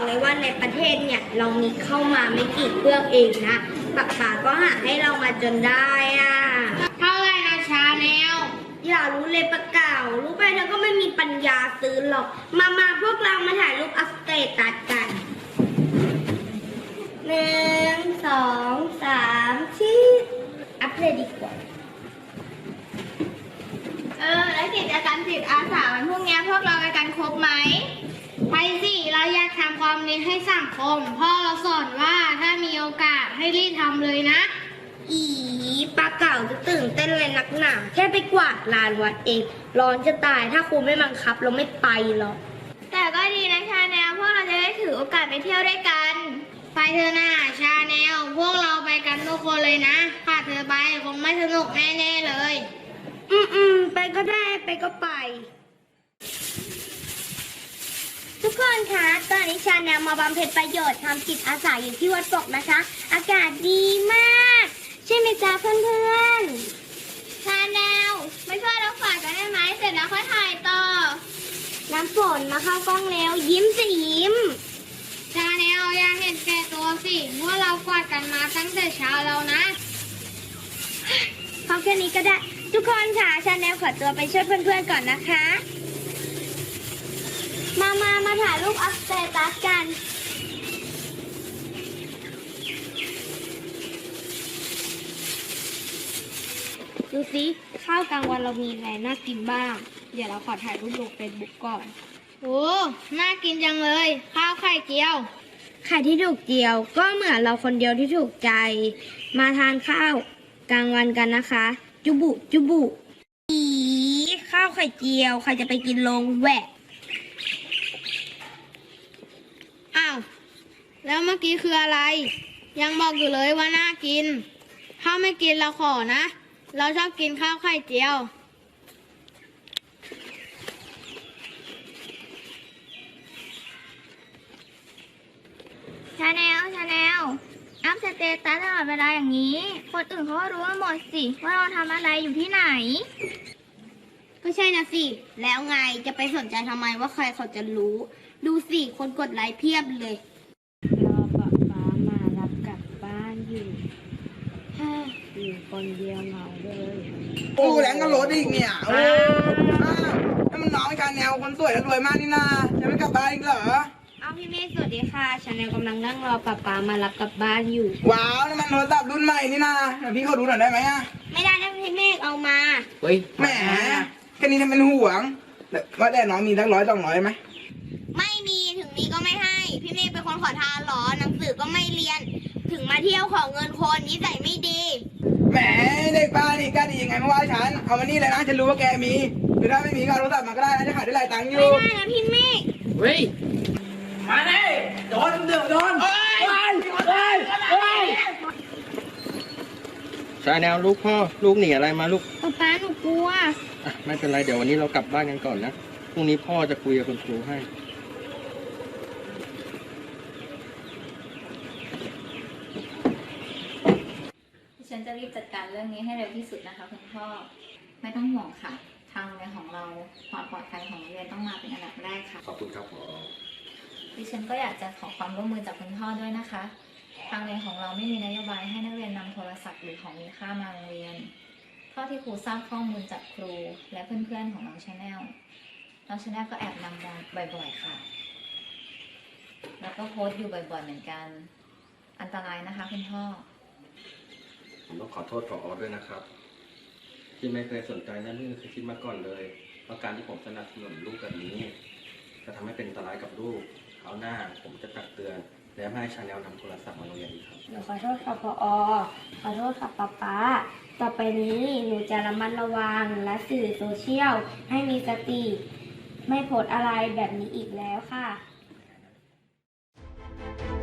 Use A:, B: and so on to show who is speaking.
A: เลยว่าในประเทศเนี่ยเรามีเข้ามาไม่กี่เครื่องเองนะป๋าก็หาให้เรามาจนได้อ่ะ
B: เท่าไรนะชาแนล
A: อย่ารู้เลยปะเก่ารู้ไปเธอก็ไม่มีปัญญาซื้อหรอกมาพวกเรามาถ่ายรูปอัปเดตตัดกัน1 2 3ชี้อัปเดตดีกว่า
B: แล้วกิจกรรมจิตอาสาวันพรุ่งนี้พวกเราไปกันครบไหมไปสิเราอยากทำความดีให้สังคมพ่อเราสอนว่าถ้ามีโอกาสให้รีบทำเลยนะ
A: อีปลาเก่าจะตื่นเต้นเลยนักหนาแค่ไปกวาดลานวัดเองร้อนจะตายถ้าครูไม่บังคับเราไม่ไปหรอก
B: แต่ก็ดีนะชาแนลพวกเราจะได้ถือโอกาสไปเที่ยวด้วยกันไปเถอะนะชาแนลพวกเราไปกันทุกคนเลยนะขาดเธอไปคงไม่สนุกแน่ๆเลย
A: ไปก็ได้ไปก็ไปทุกคนคะตอนนี้ชาแนลมาบำเพ็ญประโยชน์ทำจิตอาสาอยู่ที่วัดปกนะคะอากาศดีมากใช่ไหมจ๊ะเพื่อน
B: ชาแนลไม่ช่วยเราฝากกันได้ไหมเสร็จแล้วค่อยถ่ายต่อ
A: น้ำฝนมาเข้ากล้องแล้วยิ้มสิยิ้ม
B: ชาแนลอย่าเห็นแก่ตัวสิว่าเรากวาดกันมาตั้งแต่เช้าแล้วนะ
A: พอแค่นี้ก็ได้ทุกคนค่ะชาแนลขอตัวไปช่วยเพื่อนๆก่อนนะคะมาถ่ายรูปอัปเดตตัสกันดูสิข้าวกลางวันเรามีอะไรน่ากินบ้างเดี๋ยวเราขอถ่ายรูปลงเฟซบุ๊กก่อน
B: โอ้น่ากินจังเลยข้าวไข่เจียว
A: ไข่ที่ถูกเจียวก็เหมือนเราคนเดียวที่ถูกใจมาทานข้าวกลางวันกันนะคะจุบุอีข้าวไข่เจียวใครจะไปกินลงแหวะ
B: อ้าวแล้วเมื่อกี้คืออะไรยังบอกอยู่เลยว่าน่ากินถ้าไม่กินเราขอนะเราชอบกินข้าวไข่เจียว
A: ชาแนลอัพสเตตัสตลอดเวลาอย่างนี้คนอื่นเขาก็รู้หมดสิว่าเราทำอะไรอยู่ที่ไหนก็ใช่นะสิแล้วไงจะไปสนใจทำไมว่าใครเขาจะรู้ดูสิคนกดไลค์เพียบเลยรอป๊ามารับกลับบ้านอยู่คนเดียวเหงาเลย
C: โอ้แรงก็รถอีกเนี่ยโอ้นั่นมันน้องชาแนลคนสวยและรวยมากนี่นาจะไม่กลับบ้านอีกเหรอ
A: พี่เมฆสวัสดีค่ะชาแนลกำลังนั่งรอป๊ามารับกลับบ้านอยู่
C: ว้าวนั่นมันโทรศัพท์รุ่นใหม่นี่นาเดี๋ยวพี่เขาดูหน่อยได้ไหมอะ
A: ไม่ได้นะพี่เมฆเอามา
C: เฮ้ยแหมแค่นี้ทำเป็นห่วงว่าแต่น้องมีทั้ง100 200ไหม
A: ไม่มีถึงมีก็ไม่ให้พี่เมฆเป็นคนขอทานหรอหนังสือก็ไม่เรียนถึงมาเที่ยวขอเงินคนนิสัยไม่ดี
C: แหมเด็กป้านี่กล้าดียังไงมาว่าฉันเอามานี่เลยนะฉันรู้ว่าแกมีหรือถ้าไม่มีก็เอาโทรศัพท์มาก็ได้นะจะขายได้หลายตังค์อยู่
A: ไม่ได้นะพี่เมฆ
C: เฮ้ยมาเลยโดน
D: ชาแนลลูกพ่อลูกหนีอะไรมาลูก
A: ป๊าหนูกลัว
D: ไม่เป็นไรเดี๋ยววันนี้เรากลับบ้านกันก่อนนะพรุ่งนี้พ่อจะคุยกับคุณครูให้
E: ฉันจะรีบจัดการเรื่องนี้ให้เร็วที่สุดนะคะคุณพ่อไม่ต้องห่วงค่ะทางโรงเรียนของเราความปลอดภัยของโรงเรียนต้องมาเป็นอันดับแรกค่ะ
D: ขอบคุณครับผอ.
E: ดิฉันก็อยากจะขอความร่วมมือจากคุณพ่อด้วยนะคะทางโรงเรียนของเราไม่มีนโยบายให้นักเรียนนำโทรศัพท์หรือของมีค่ามาโรงเรียนเท่าที่ครูทราบข้อมูลจากครูและเพื่อนๆของน้องชาแนลก็แอบนำมาบ่อยๆค่ะแล้วก็โพสต์อยู่บ่อยๆเหมือนกันอันตรายนะคะคุณพ่อ
D: ผมต้องขอโทษผอ.ด้วยนะครับที่ไม่เคยสนใจและไม่เคยคิดมาก่อนเลยว่าการที่ผมสนับสนุนลูกแบบนี้จะทำให้เป็นอันตรายกับลูกคราวหน้าผมจะตักเตือนและไม่ให้ชาแนลนำโทรศัพท์มาโรงเรียนอีกครับ
A: หนูขอโทษค่ะผอ.ขอโทษค่ะป๊าต่อไปนี้หนูจะระมัดระวังและสื่อโซเชียลให้มีสติไม่โพสอะไรแบบนี้อีกแล้วค่ะ